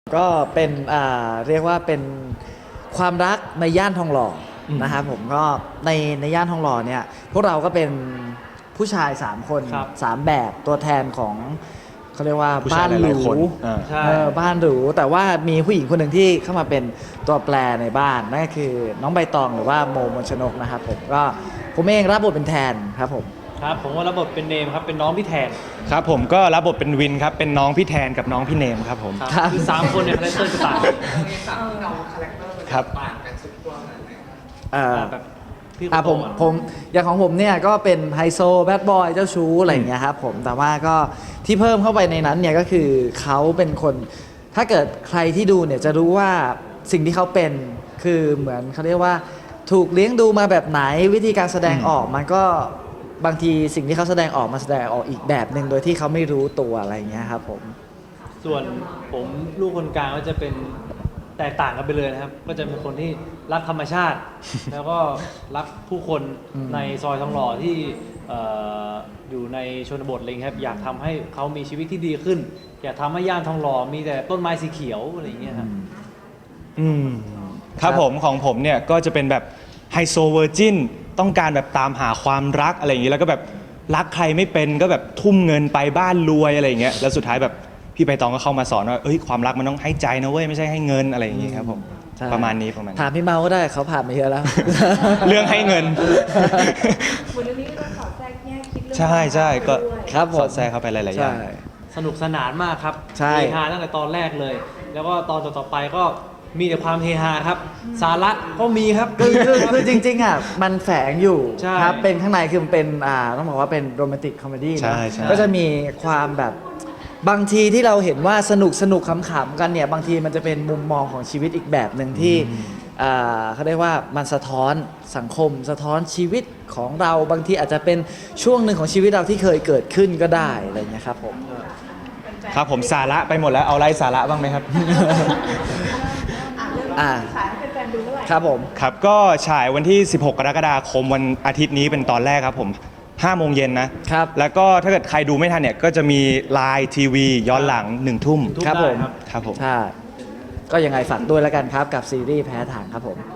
ก็เป็นเรียกว่าเป็นความรักในย่านทองหล่อนะครับผมก็ในย่านทองหล่อเนี่ยพวกเราก็เป็นผู้ชาย3คน3แบบตัวแทนของเขาเรียกว่าบ้านหรูบ้านหรูแต่ว่ามีผู้หญิงคนหนึ่งที่เข้ามาเป็นตัวแปรในบ้านนั่นก็คือน้องใบตองหรือว่าโมมนชนกนะครับผมเองรับบทเป็นแทนครับผมครับผมว่ารับบทเป็นเนมครับเป็นน้องพี่แทนครับผมก็รับบทเป็นวินครับเป็นน้องพี่แทนกับน้องพี่เนมครับผมคือ3คนเนี่ยคาแรคเตอร์จะต่างครับผมอย่างของผมเนี่ยก็เป็นไฮโซแบดบอยเจ้าชู้อะไรอย่างเงี้ยครับผมแต่ว่าก็ที่เพิ่มเข้าไปในนั้นเนี่ยก็คือเขาเป็นคนถ้าเกิดใครที่ดูเนี่ยจะรู้ว่าสิ่งที่เขาเป็นคือเหมือนเขาเรียกว่าถูกเลี้ยงดูมาแบบไหนวิธีการแสดงออกมันก็บางทีสิ่งที่เขาแสดงออกมาแสดงออกอีกแบบหนึ่งโดยที่เขาไม่รู้ตัวอะไรอย่างเงี้ยครับผมส่วนผมลูกคนกลางก็จะเป็นแตกต่างกันไปเลยนะครับก็จะเป็นคนที่รักธรรมชาติ แล้วก็รักผู้คนในซอยทองหล่อที่อยู่ในชนบทอะไรครับอยากทำให้เขามีชีวิตที่ดีขึ้นอยากทำให้ย่านทองหล่อมีแต่ต้นไม้สีเขียวอะไรอย่างเงี้ยครับครับผมของผมเนี่ยก็จะเป็นแบบไฮโซเวอร์จินต้องการแบบตามหาความรักอะไรอย่างงี้แล้วก็แบบรักใครไม่เป็นก็แบบทุ่มเงินไปบ้านรวยอะไรอย่างเงี้ยแล้วสุดท้ายแบบพี่ใบตองก็เข้ามาสอนว่าความรักมันต้องให้ใจนะเว้ยไม่ใช่ให้เงินอะไรอย่างงี้ครับผมประมาณนี้ถามพี่เมาก็ได้เขาผ่านมาเยอะแล้วเรื่องให้เงินวันนี้ก็สอดแทรกแง่คิดเรื่องใช่ก็ครับสอดแทรกเข้าไปหลายๆอย่างสนุกสนานมากครับเฮฮาตั้งแต่ตอนแรกเลยแล้วก็ตอนต่อไปก็มีแต่ความเฮฮาครับสาระก็มีครับคือจริงๆอ่ะมันแฝงอยู่ครับเป็นข้างในคือมันเป็นต้องบอกว่าเป็นโรแมนติกคอมเมดี้นะก็จะมีความแบบบางทีที่เราเห็นว่าสนุกขำๆกันเนี่ยบางทีมันจะเป็นมุมมองของชีวิตอีกแบบหนึ่งที่เขาเรียกว่ามันสะท้อนสังคมสะท้อนชีวิตของเราบางทีอาจจะเป็นช่วงหนึ่งของชีวิตเราที่เคยเกิดขึ้นก็ได้อะไรเงี้ยครับผมสาระไปหมดแล้วเอาไรสาระบ้างไหมครับฉายให้แฟนๆดูเมื่อไหร่ครับผมครับก็ฉายวันที่16กรกฎาคมวันอาทิตย์นี้เป็นตอนแรกครับผม5 โมงเย็นนะครับแล้วก็ถ้าเกิดใครดูไม่ทันเนี่ยก็จะมีไลน์ทีวีย้อนหลัง1 ทุ่มครับผมครับผมใช่ก็ยังไงฝากด้วยแล้วกันครับกับซีรีส์แพ้ทางครับผม